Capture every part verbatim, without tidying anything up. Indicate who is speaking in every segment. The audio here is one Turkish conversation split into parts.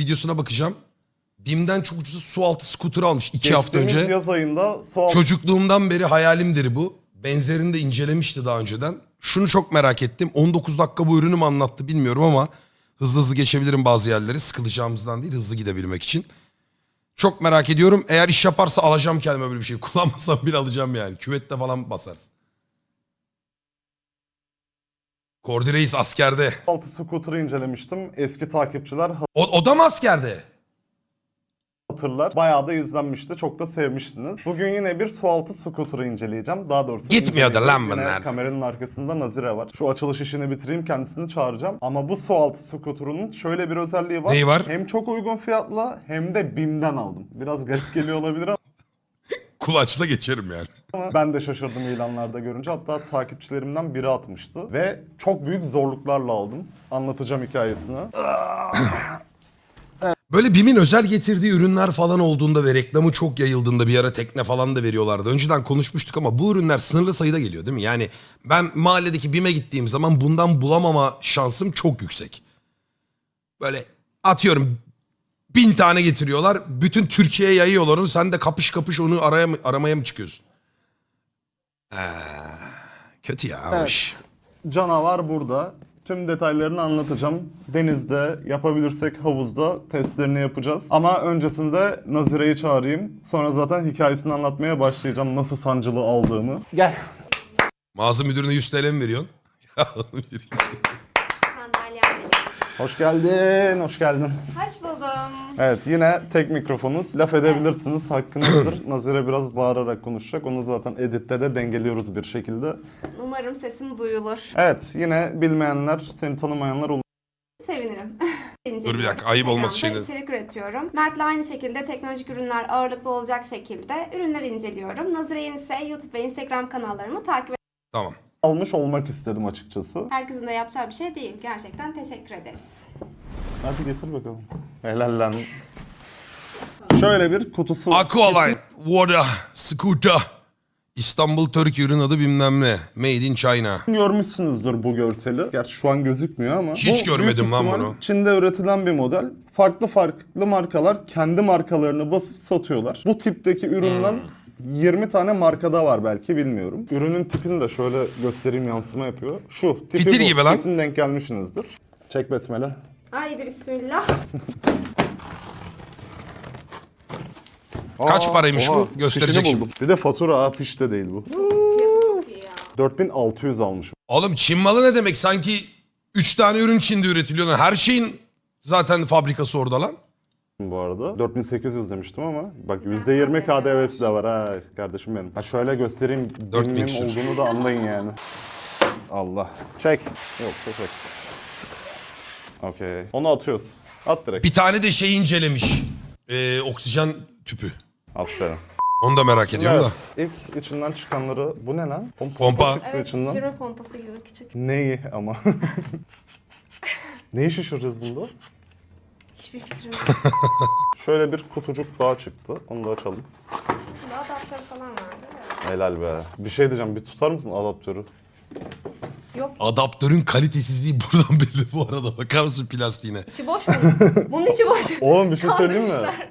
Speaker 1: videosuna bakacağım. BİM'den çok ucuza su altı scooter almış iki hafta önce.
Speaker 2: Geçtiğimiz yaz ayında su altı...
Speaker 1: Çocukluğumdan beri hayalimdir bu. Benzerini de incelemişti daha önceden. Şunu çok merak ettim. on dokuz dakika bu ürünü mü anlattı bilmiyorum ama hızlı hızlı geçebilirim bazı yerleri. Sıkılacağımızdan değil, hızlı gidebilmek için. Çok merak ediyorum. Eğer iş yaparsa alacağım kendime böyle bir şey. Kullanmasam bile alacağım yani. Küvette falan basarız. Kordi Reis askerde.
Speaker 2: su altı scooter'ı incelemiştim. Eski takipçiler
Speaker 1: O, o da mı askerde?
Speaker 2: hatırlar. Bayağı da izlenmişti. Çok da sevmiştiniz. Bugün yine bir su altı scooter'ı inceleyeceğim. Daha doğrusu
Speaker 1: Gitmiyor da lan
Speaker 2: inceleyeceğim.
Speaker 1: bunlar.
Speaker 2: Yine kameranın arkasında Nazire var. Şu açılış işini bitireyim, kendisini çağıracağım. Ama bu su altı scooter'ının şöyle bir özelliği var.
Speaker 1: Neyi var?
Speaker 2: Hem çok uygun fiyatla hem de BİM'den aldım. Biraz garip geliyor olabilir ama
Speaker 1: Kulaçla geçerim yani.
Speaker 2: Ama ben de şaşırdım ilanlarda görünce. Hatta takipçilerimden biri atmıştı. Ve çok büyük zorluklarla aldım. Anlatacağım hikayesini.
Speaker 1: Böyle BİM'in özel getirdiği ürünler falan olduğunda ve reklamı çok yayıldığında bir ara tekne falan da veriyorlardı. Önceden konuşmuştuk ama bu ürünler sınırlı sayıda geliyor değil mi? Yani ben mahalledeki BİM'e gittiğim zaman bundan bulamama şansım çok yüksek. Böyle atıyorum bin tane getiriyorlar. Bütün Türkiye'ye yayıyorlar onu. Sen de kapış kapış onu araya mı, aramaya mı çıkıyorsun? Ee, kötü ya.
Speaker 2: Evet. Canavar burada. Tüm detaylarını anlatacağım. Denizde, yapabilirsek havuzda testlerini yapacağız. Ama öncesinde Nazire'yi çağırayım. Sonra zaten hikayesini anlatmaya başlayacağım. Nasıl sancılı aldığımı. Gel.
Speaker 1: Mağaza müdürüne yüz TL mi veriyorsun? Ya onu vereyim.
Speaker 3: Sandalye alayım.
Speaker 2: Hoş geldin, hoş geldin.
Speaker 3: Hoş buldum.
Speaker 2: Evet, yine tek mikrofonuz. Laf edebilirsiniz, hakkınızdır. Nazire biraz bağırarak konuşacak. Onu zaten editte de dengeliyoruz bir şekilde.
Speaker 3: Umarım sesim duyulur.
Speaker 2: Evet, yine bilmeyenler, seni tanımayanlar olur.
Speaker 3: Sevinirim.
Speaker 1: Dur bir dakika, ayıp olması
Speaker 3: Instagram'da
Speaker 1: şeyine.
Speaker 3: içerik üretiyorum. Mert'le aynı şekilde teknolojik ürünler ağırlıklı olacak şekilde ürünleri inceliyorum. Nazire'nin ise YouTube ve Instagram kanallarımı takip
Speaker 1: Tamam.
Speaker 2: Almış olmak istedim açıkçası.
Speaker 3: Herkesin de yapacağı bir şey değil. Gerçekten teşekkür ederiz.
Speaker 2: Hadi getir bakalım. Helal lan. Şöyle bir kutusu.
Speaker 1: Aqualine, Water, Scooter. İstanbul Türkiye ürün adı bilmem ne. Made in China.
Speaker 2: Görmüşsünüzdür bu görseli. Gerçi şu an gözükmüyor ama.
Speaker 1: Hiç
Speaker 2: bu
Speaker 1: görmedim
Speaker 2: büyük
Speaker 1: lan
Speaker 2: ihtimal
Speaker 1: bunu.
Speaker 2: Çin'de üretilen bir model. Farklı farklı markalar kendi markalarını basıp satıyorlar. Bu tipteki üründen
Speaker 1: Hmm.
Speaker 2: yirmi tane markada var belki, bilmiyorum. Ürünün tipini de şöyle göstereyim, yansıma yapıyor. Şu tipi
Speaker 1: Fitil
Speaker 2: bu.
Speaker 1: gibi lan.
Speaker 2: Kesin denk gelmişsinizdir. Çek besmele.
Speaker 3: Haydi bismillah.
Speaker 1: Kaç paraymış bu?
Speaker 2: fişini
Speaker 1: Gösterecek şimdi.
Speaker 2: buldum. Bir de fatura, ha, fiş de değil bu.
Speaker 3: Fiyatı çok iyi ya.
Speaker 2: dört bin altı yüz almışım.
Speaker 1: Oğlum Çin malı ne demek? Sanki üç tane ürün Çin'de üretiliyor lan. Her şeyin zaten fabrikası orada lan.
Speaker 2: Bu arada dört bin sekiz yüz demiştim ama bak yüzde yirmi K D V'si de var ha kardeşim benim. Ha şöyle göstereyim,
Speaker 1: dört bin
Speaker 2: benim
Speaker 1: küsür.
Speaker 2: olduğunu da anlayın yani. Allah. Çek. Yok çek. Okey. Onu atıyoruz. At direkt.
Speaker 1: Bir tane de şey incelemiş. Ee, oksijen tüpü.
Speaker 2: Aferin.
Speaker 1: Onu da merak ediyorum da.
Speaker 2: Evet. İlk içinden çıkanları, bu ne lan? Pom-
Speaker 1: Pompa.
Speaker 2: çıktı
Speaker 3: Evet,
Speaker 2: içinden.
Speaker 3: şişirme pompası gibi küçük.
Speaker 2: Neyi ama? Neyi şişireceğiz bunda?
Speaker 3: Hiçbir fikrim yok.
Speaker 2: Şöyle bir kutucuk daha çıktı. Onu da açalım.
Speaker 3: Burada adaptör falan vardı. Evet.
Speaker 2: Helal be. Bir şey diyeceğim. Bir tutar mısın adaptörü?
Speaker 3: Yok,
Speaker 1: Adaptörün kalitesizliği buradan belli bu arada. Bakar mısın plastiğine?
Speaker 3: içi boş mu? Bunun içi boş.
Speaker 2: Oğlum bir şey söyleyeyim mi?
Speaker 3: Kandırmışlar.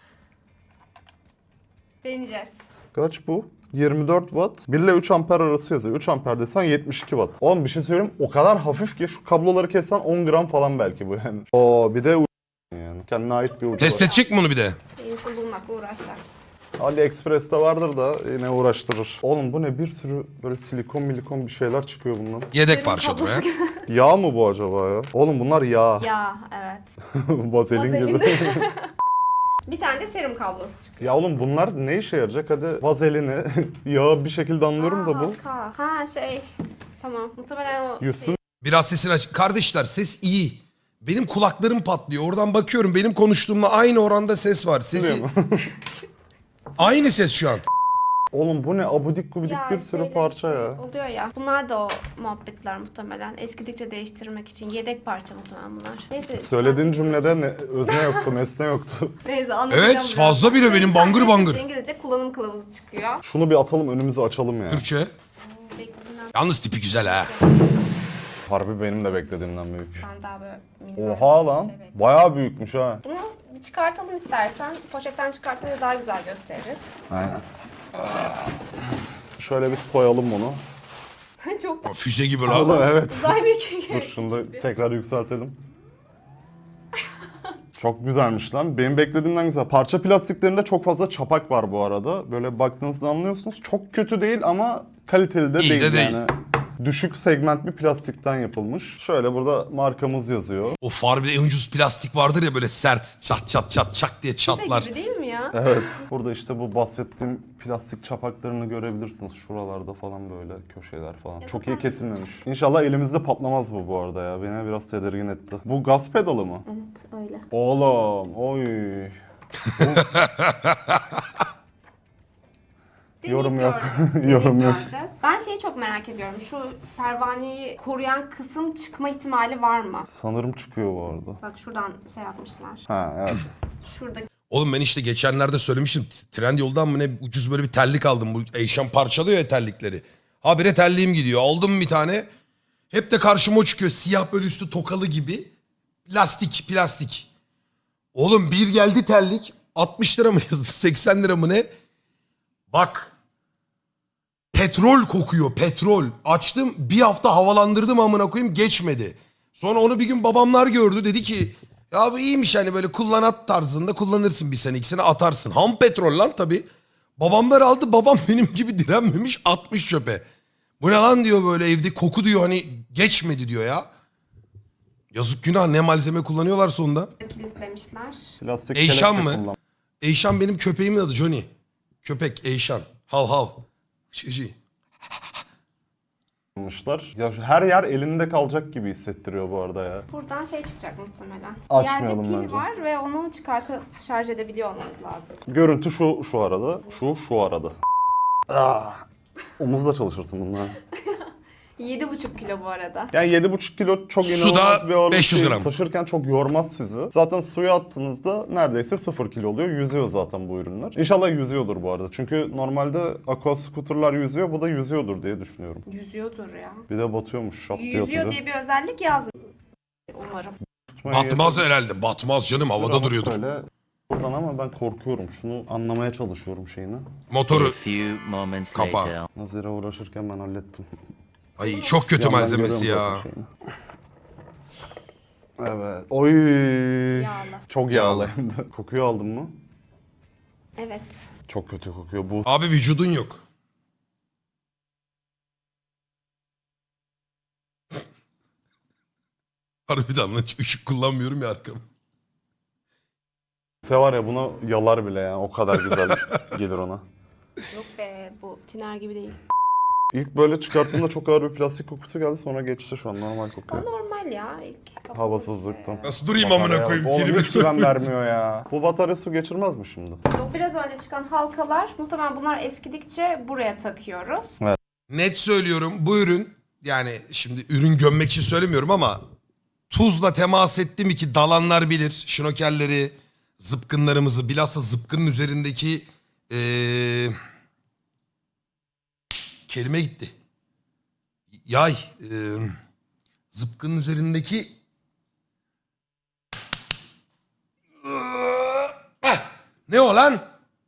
Speaker 3: Deneyeceğiz.
Speaker 2: Kaç bu? yirmi dört watt. bir ile üç amper arası yazıyor. üç amper desen yetmiş iki watt. Oğlum bir şey söyleyeyim, o kadar hafif ki şu kabloları kessen on gram falan belki bu yani. Oo bir de u- yani kendine ait bir ucu
Speaker 1: Test
Speaker 2: var.
Speaker 1: edecek mi bunu bir de?
Speaker 3: Yenisini bulmakla uğraşacağız.
Speaker 2: AliExpress'te vardır da yine uğraştırır. Oğlum bu ne, bir sürü böyle silikon milikon bir şeyler çıkıyor bundan.
Speaker 1: Yedek
Speaker 3: Senin
Speaker 1: parça
Speaker 3: kablosu
Speaker 1: ya.
Speaker 2: Yağ mı bu acaba ya? Oğlum bunlar yağ.
Speaker 3: Ya evet.
Speaker 2: Vazelin gibi.
Speaker 3: Bir tane de serum kablosu çıkıyor.
Speaker 2: Ya oğlum bunlar ne işe yarayacak? Hadi vazelini, yağı bir şekilde anlıyorum da bu.
Speaker 3: Ha, ha şey. Tamam. Muhtemelen o
Speaker 2: Yusun.
Speaker 3: şey.
Speaker 1: Biraz sesini aç. Kardeşler ses iyi. Benim kulaklarım patlıyor. Oradan bakıyorum. Benim konuştuğumla aynı oranda ses var. Sesi... Aynı ses şu an.
Speaker 2: Oğlum bu ne, abudik gubidik
Speaker 3: Ya
Speaker 2: bir sürü
Speaker 3: şeyler
Speaker 2: parça
Speaker 3: işte
Speaker 2: ya.
Speaker 3: Oluyor ya. Bunlar da o muhabbetler muhtemelen. Eskidikçe değiştirmek için. Yedek parça muhtemelen bunlar. Neyse.
Speaker 2: Söylediğin cümlede ne, özne yoktu, nesne yoktu.
Speaker 3: Neyse anlatacağım.
Speaker 1: Evet,
Speaker 3: biraz.
Speaker 1: fazla bile benim bangır bangır.
Speaker 3: İngilizce kullanım kılavuzu çıkıyor.
Speaker 2: Şunu bir atalım, önümüzü açalım ya.
Speaker 1: Türkçe.
Speaker 3: Beklediğimden
Speaker 1: Yalnız tipi güzel ha.
Speaker 2: Harbi benim de beklediğimden büyük.
Speaker 3: ben daha böyle minnak
Speaker 2: Oha
Speaker 3: bir
Speaker 2: lan.
Speaker 3: şey bekliyorum.
Speaker 2: Bayağı büyükmüş ha.
Speaker 3: Bunu Bir çıkartalım istersen. Poşetten çıkartınca daha güzel gösteririz.
Speaker 2: Aynen. Şöyle bir soyalım bunu.
Speaker 3: Çok da
Speaker 1: Füze gibi
Speaker 2: Oğlum
Speaker 1: lan.
Speaker 2: evet.
Speaker 3: uzay mekiği.
Speaker 2: Dur şunu da tekrar yükseltelim. Çok güzelmiş lan. Benim beklediğimden güzel. Parça plastiklerinde çok fazla çapak var bu arada. Böyle baktığınızda anlıyorsunuz. Çok kötü değil ama kaliteli de
Speaker 1: İyi
Speaker 2: değil
Speaker 1: de değil.
Speaker 2: yani. Düşük segment bir plastikten yapılmış. Şöyle burada markamız yazıyor.
Speaker 1: O farbe en ucuz plastik vardır ya böyle sert çat çat çat çak diye
Speaker 3: Füze
Speaker 1: çatlar.
Speaker 3: gibi değil mi ya?
Speaker 2: Evet. Burada işte bu bahsettiğim plastik çapaklarını görebilirsiniz. Şuralarda falan böyle köşeler falan.
Speaker 3: Ya
Speaker 2: Çok iyi
Speaker 3: zaten-
Speaker 2: kesilmemiş. İnşallah elimizde patlamaz bu bu arada ya. Beni biraz tedirgin etti. Bu gaz pedalı mı?
Speaker 3: Evet öyle.
Speaker 2: Oğlum, oy. Yorum yok.
Speaker 3: Göreceğiz,
Speaker 2: Yorum yok.
Speaker 3: göreceğiz. Ben şeyi çok merak ediyorum. Şu pervaneyi koruyan kısım çıkma ihtimali var mı?
Speaker 2: Sanırım çıkıyor bu arada.
Speaker 3: Bak şuradan şey yapmışlar.
Speaker 2: Ha evet.
Speaker 3: Şuradaki
Speaker 1: Oğlum ben işte geçenlerde söylemiştim. Trendyol'dan mı ne ucuz böyle bir terlik aldım. Bu Eyşan parçalıyor ya terlikleri. Habire terliğim gidiyor. Aldım bir tane. Hep de karşıma o çıkıyor. Siyah böyle üstü tokalı gibi. Plastik, plastik. Oğlum bir geldi terlik. altmış lira mı yazdı? seksen lira mı ne? Bak. Petrol kokuyor, petrol. Açtım bir hafta havalandırdım amına koyayım geçmedi. Sonra onu bir gün babamlar gördü dedi ki ya bu iyiymiş hani böyle kullanat tarzında kullanırsın bir sene iki sene atarsın. Ham petrol lan tabii. Babamlar aldı babam benim gibi direnmemiş atmış çöpe. Bu ne lan diyor böyle evde koku diyor hani geçmedi diyor ya. Yazık günah ne malzeme kullanıyorlar sonunda.
Speaker 3: kilitlemişler.
Speaker 2: Plastik
Speaker 1: Eyşan
Speaker 2: kelepçe
Speaker 1: mı? Eyşan benim köpeğimin adı Johnny. Köpek Eyşan. Hav hav. Şişi.
Speaker 2: kullanmışlar. Ya şu her yer elinde kalacak gibi hissettiriyor bu arada ya.
Speaker 3: Buradan şey çıkacak muhtemelen.
Speaker 2: Açmayalım
Speaker 3: Yerde pil
Speaker 2: bence.
Speaker 3: var ve onu çıkartıp şarj edebiliyor olmanız lazım.
Speaker 2: Görüntü şu şu arada. Şu şu arada. Ah. Omuzla çalışırsın bunlar.
Speaker 3: yedi buçuk kilo bu arada.
Speaker 2: Yani yedi buçuk kilo çok
Speaker 1: Suda
Speaker 2: inanılmaz bir ağırlık
Speaker 1: beş yüz
Speaker 2: değil.
Speaker 1: gram.
Speaker 2: Taşırken çok yormaz sizi. Zaten suya attığınızda neredeyse sıfır kilo oluyor. Yüzüyor zaten bu ürünler. İnşallah yüzüyordur bu arada. Çünkü normalde aqua scooter'lar yüzüyor. Bu da yüzüyordur diye düşünüyorum.
Speaker 3: Yüzüyordur ya.
Speaker 2: Bir de batıyormuş şap diye
Speaker 3: Yüzüyor
Speaker 2: atınca.
Speaker 3: diye bir özellik yazmıyor. Umarım.
Speaker 2: Tutmaya
Speaker 1: Batmaz
Speaker 2: yeter.
Speaker 1: herhalde. Batmaz canım havada
Speaker 2: Ama
Speaker 1: duruyordur.
Speaker 2: Böyle buradan ama ben korkuyorum. Şunu anlamaya çalışıyorum şeyini.
Speaker 4: A
Speaker 1: Motoru.
Speaker 4: few moments
Speaker 1: Kapağı.
Speaker 4: later.
Speaker 2: Nazire uğraşırken ben hallettim.
Speaker 1: Ay çok kötü
Speaker 2: Yandan
Speaker 1: malzemesi
Speaker 2: görüyorum
Speaker 1: ya.
Speaker 2: zaten şeyini. Evet. Oy.
Speaker 3: Yağlı.
Speaker 2: Çok yağlı hem de. Kokuyu aldın mı?
Speaker 3: Evet.
Speaker 2: Çok kötü kokuyor. Bu
Speaker 1: Abi vücudun yok. Harbiden lan hiç ışık kullanmıyorum ya arkam.
Speaker 2: se var ya buna yalar bile yani. O kadar güzel gelir ona.
Speaker 3: Yok be bu tiner gibi değil.
Speaker 2: İlk böyle çıkarttığımda çok ağır bir plastik kokusu geldi. Sonra geçti şu an normal
Speaker 3: O
Speaker 2: kokuyor.
Speaker 3: normal ya ilk.
Speaker 2: Havasızlıktan.
Speaker 1: Nasıl durayım amına
Speaker 2: Batarya-
Speaker 1: koyayım?
Speaker 2: Oğlum
Speaker 1: Trime
Speaker 2: hiç güven
Speaker 1: sokmuyor.
Speaker 2: vermiyor ya. Bu batarya su geçirmez mi şimdi?
Speaker 3: Yok biraz önce çıkan halkalar muhtemelen bunlar eskidikçe buraya takıyoruz.
Speaker 1: Net söylüyorum bu ürün yani şimdi ürün gömmek için söylemiyorum ama tuzla temas etti mi ki dalanlar bilir. Şnokerleri, zıpkınlarımızı bilhassa zıpkının üzerindeki ee, kelime gitti. Yay. ee, zıpkının üzerindeki Heh, ne o lan?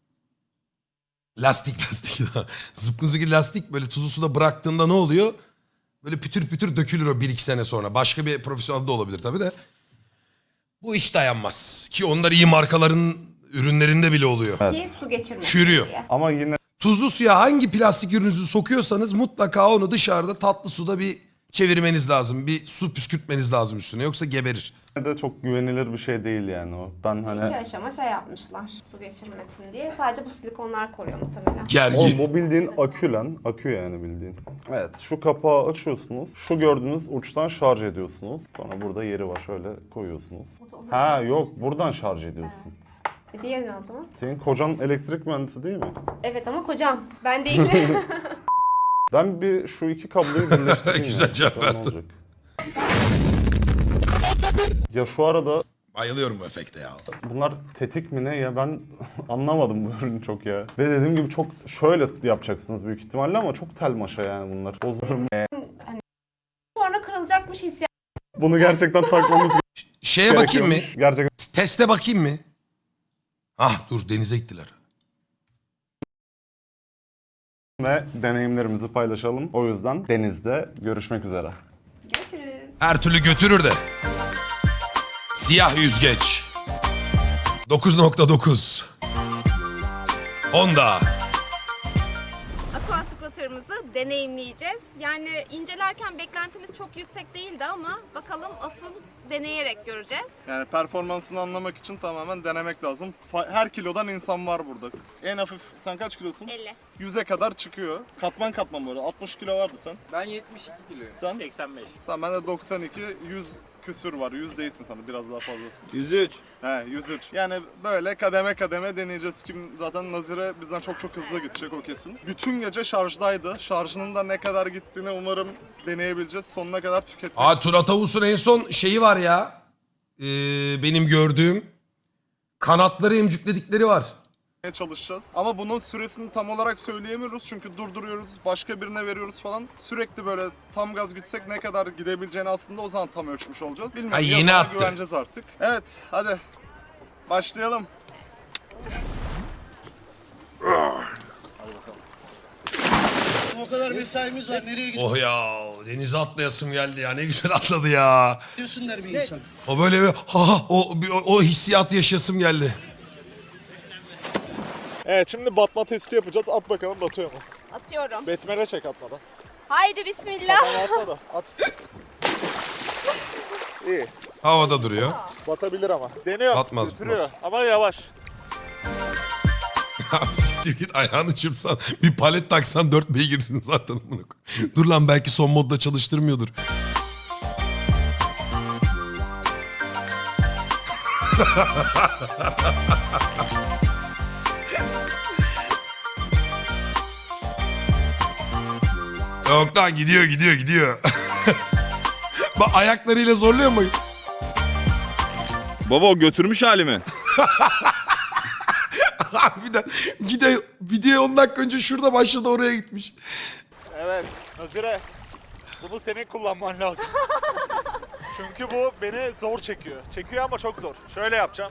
Speaker 1: Lastik lastik. Zıpkınızdaki lastik böyle tuzlu suda bıraktığında ne oluyor? Böyle pütür pütür dökülür o bir iki sene sonra. Başka bir profesyonel de olabilir tabii de. Bu hiç dayanmaz. Ki onlar iyi markaların ürünlerinde bile oluyor.
Speaker 2: Evet.
Speaker 3: Ki su geçirmesin
Speaker 1: Çürüyor.
Speaker 3: diye.
Speaker 2: Ama yine
Speaker 1: Tuzlu suya hangi plastik ürününüzü sokuyorsanız mutlaka onu dışarıda tatlı suda bir çevirmeniz lazım. Bir su püskürtmeniz lazım üstüne yoksa geberir.
Speaker 2: de çok güvenilir bir şey değil yani o. Ben
Speaker 3: İki
Speaker 2: hani...
Speaker 3: aşama şey yapmışlar su geçirmesin diye. Sadece bu silikonlar koruyor muhtemelen.
Speaker 2: Oğlum
Speaker 1: Gergin.
Speaker 2: bu bildiğin akü lan. Akü yani bildiğin. Evet şu kapağı açıyorsunuz. Şu gördüğünüz uçtan şarj ediyorsunuz. Sonra burada yeri var şöyle koyuyorsunuz.
Speaker 3: Bu da onun-
Speaker 2: Ha yok buradan şarj ediyorsun.
Speaker 3: E, diğeri ne o zaman?
Speaker 2: Senin kocan elektrik mühendisi değil mi?
Speaker 3: Evet ama kocam. Ben değilim.
Speaker 2: Ben bir şu iki kabloyu birleştireyim.
Speaker 1: Güzel
Speaker 2: ya.
Speaker 1: cevap
Speaker 2: Bakalım ne
Speaker 1: verdin.
Speaker 2: olacak. Ya şu arada
Speaker 1: Bayılıyorum bu efekte ya.
Speaker 2: bunlar tetik mi ne ya ben anlamadım bu ürünü çok ya. Ve dediğim gibi çok şöyle yapacaksınız büyük ihtimalle ama çok tel maşa yani bunlar. Bozurum.
Speaker 3: Sonra kırılacakmış hissiyat.
Speaker 2: Bunu gerçekten takmamız
Speaker 1: Şeye bakayım mı?
Speaker 2: gerekiyormuş. Gerçekten
Speaker 1: Teste bakayım mı? Ah dur denize gittiler.
Speaker 2: Ve deneyimlerimizi paylaşalım. O yüzden denizde görüşmek üzere.
Speaker 3: Görüşürüz.
Speaker 1: Her türlü götürür de. Siyah yüzgeç. dokuz nokta dokuz. Honda.
Speaker 4: Aqua scooter'ımızı deneyimleyeceğiz. Yani incelerken beklentimiz çok yüksek değildi ama bakalım asıl deneyerek göreceğiz.
Speaker 2: Yani performansını anlamak için tamamen denemek lazım. Fa- Her kilodan insan var burada. En hafif, sen kaç kilosun?
Speaker 4: elli.
Speaker 2: yüze kadar çıkıyor. Katman katman böyle. altmış kilo vardı sen.
Speaker 5: Ben yetmiş iki kiloyum.
Speaker 2: Sen?
Speaker 5: seksen beş.
Speaker 2: Tamam ben de doksan iki, yüz küsür var. yüz değilsin sana, biraz daha fazlasın.
Speaker 5: yüz üç.
Speaker 2: He, yüz üç. Yani böyle kademe kademe deneyeceğiz. Kim zaten Nazire bizden çok çok hızlı gidecek, o kesin. Bütün gece şarjdaydı. Şarjının da ne kadar gittiğini umarım deneyebileceğiz. Sonuna kadar tükettik.
Speaker 1: Aa Turat Avus'un en son şeyi var ya. Ee, benim gördüğüm. Kanatları emcükledikleri var.
Speaker 2: Çalışacağız. Ama bunun süresini tam olarak söyleyemiyoruz çünkü durduruyoruz, başka birine veriyoruz falan. Sürekli böyle tam gaz gitsek ne kadar gidebileceğini aslında o zaman tam ölçmüş olacağız. Bilmiyorum.
Speaker 1: Ay, yeni
Speaker 2: Yazana
Speaker 1: attı.
Speaker 2: güveneceğiz artık. Evet, hadi başlayalım.
Speaker 6: O kadar mesaimiz var. Nereye
Speaker 1: Oh ya denize atlayasım geldi ya, ne güzel atladı ya.
Speaker 6: gidiyorsun der bir insan.
Speaker 1: O böyle bir ha o, bir- o, o hissiyatı yaşasım geldi.
Speaker 2: Evet, şimdi batma testi yapacağız. At bakalım batıyor mu?
Speaker 4: Atıyorum.
Speaker 2: Besmele çek atmadan.
Speaker 4: Haydi bismillah.
Speaker 2: Tamam, atma da at. İyi.
Speaker 1: Havada duruyor.
Speaker 2: Batabilir ama. Deniyor.
Speaker 1: Batmaz,
Speaker 2: götürüyor.
Speaker 1: batmaz.
Speaker 2: Ama yavaş.
Speaker 1: Siktir git, ayağını çırpsan bir palet taksan dört beygirsin zaten. amına koyayım. Dur lan, belki son modda çalıştırmıyordur. Yok lan, gidiyor gidiyor gidiyor. Bak ayaklarıyla zorluyor mu?
Speaker 7: Baba o götürmüş halimi.
Speaker 1: Harbiden gide video on dakika önce şurada başladı, oraya gitmiş.
Speaker 8: Evet, Nazire. Bunu senin kullanman lazım. Çünkü bu beni zor çekiyor. Çekiyor ama çok zor. Şöyle yapacağım.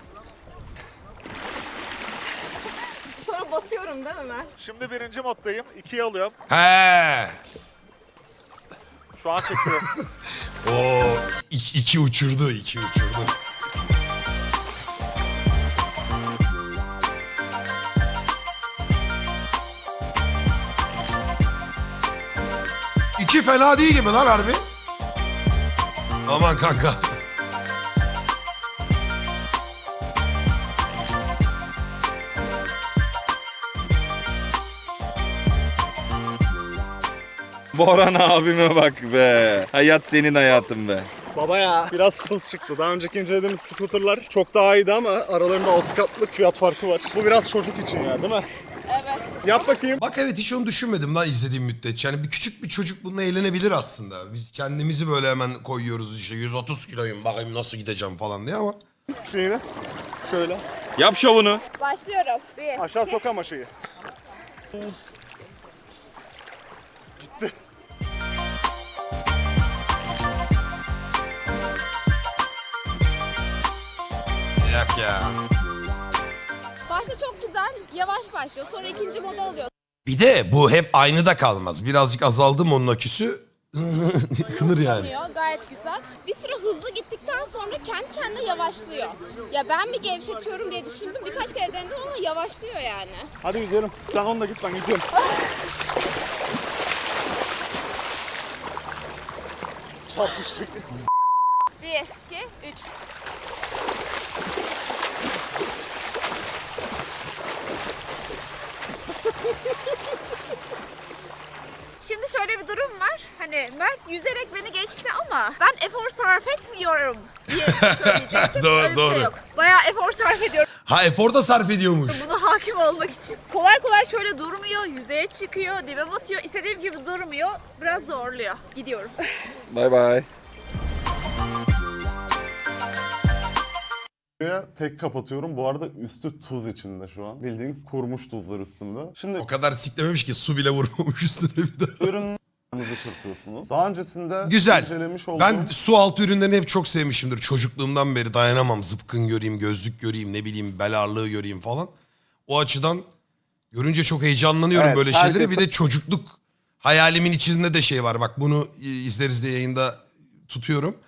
Speaker 4: Sonra batıyorum değil mi Mert?
Speaker 8: Şimdi birinci moddayım. ikiye alıyorum.
Speaker 1: He.
Speaker 8: Şu an çekiyor.
Speaker 1: O iki, iki uçurdu, iki uçurdu. İki fena değil gibi lan harbi. Aman kanka.
Speaker 7: Boran abime bak be. Hayat senin hayatın be.
Speaker 2: Baba ya. Biraz hız çıktı. Daha önceki incelediğimiz scooterlar çok daha iyiydi ama aralarında altı katlık fiyat farkı var. Bu biraz çocuk için ya, değil mi?
Speaker 4: Evet.
Speaker 2: Yap bakayım.
Speaker 1: Bak evet, hiç onu düşünmedim lan izlediğim müddetçe. Yani bir küçük bir çocuk bununla eğlenebilir aslında. Biz kendimizi böyle hemen koyuyoruz işte yüz otuz kiloyum bakayım nasıl gideceğim falan diye ama.
Speaker 2: Şeyini. Şöyle.
Speaker 7: Yap şovunu.
Speaker 4: Başlıyorum. Bir.
Speaker 2: Aşağı sok ama şeyi.
Speaker 1: Yak ya.
Speaker 4: Başta çok güzel. Yavaş başlıyor. Sonra ikinci moda alıyor.
Speaker 1: Bir de bu hep aynı da kalmaz. Birazcık azaldı mı onun aküsü kınır yani.
Speaker 4: Oluyor. Gayet güzel. Bir süre hızlı gittikten sonra kendi kendine yavaşlıyor. Ya ben mi gevşetiyorum diye düşündüm. Birkaç kere denedim ama yavaşlıyor yani.
Speaker 2: Hadi yüzelim. Sen onunla git, ben gidiyorum. Çarpmıştık.
Speaker 4: Bir, iki, üç. Şimdi şöyle bir durum var. Hani Mert yüzerek beni geçti ama ben efor sarf etmiyorum diye söyleyecektim.
Speaker 1: Doğru,
Speaker 4: Öyle bir
Speaker 1: doğru.
Speaker 4: şey yok. Bayağı efor sarf ediyorum
Speaker 1: Ha efor da sarf ediyormuş.
Speaker 4: buna hakim olmak için. Kolay kolay şöyle durmuyor, yüzeye çıkıyor, dibe batıyor. İstediğim gibi durmuyor. Biraz zorluyor. Gidiyorum.
Speaker 7: Bay bay.
Speaker 2: Buraya tek kapatıyorum. Bu arada üstü tuz içinde şu an. Bildiğin kurumuş tuzlar üstünde. Şimdi
Speaker 1: O kadar siklememiş ki su bile vurmamış üstüne bir de.
Speaker 2: ürün çırpıyorsunuz. Daha öncesinde
Speaker 1: Güzel.
Speaker 2: incelemiş olduğum...
Speaker 1: Ben su altı ürünlerini hep çok sevmişimdir. Çocukluğumdan beri dayanamam. Zıpkın göreyim, gözlük göreyim, ne bileyim bel ağırlığı göreyim falan. O açıdan görünce çok heyecanlanıyorum
Speaker 2: Evet,
Speaker 1: böyle
Speaker 2: herkes-
Speaker 1: şeylere. Bir de çocukluk hayalimin içinde de şey var. Bak bunu izleriz diye yayında tutuyorum.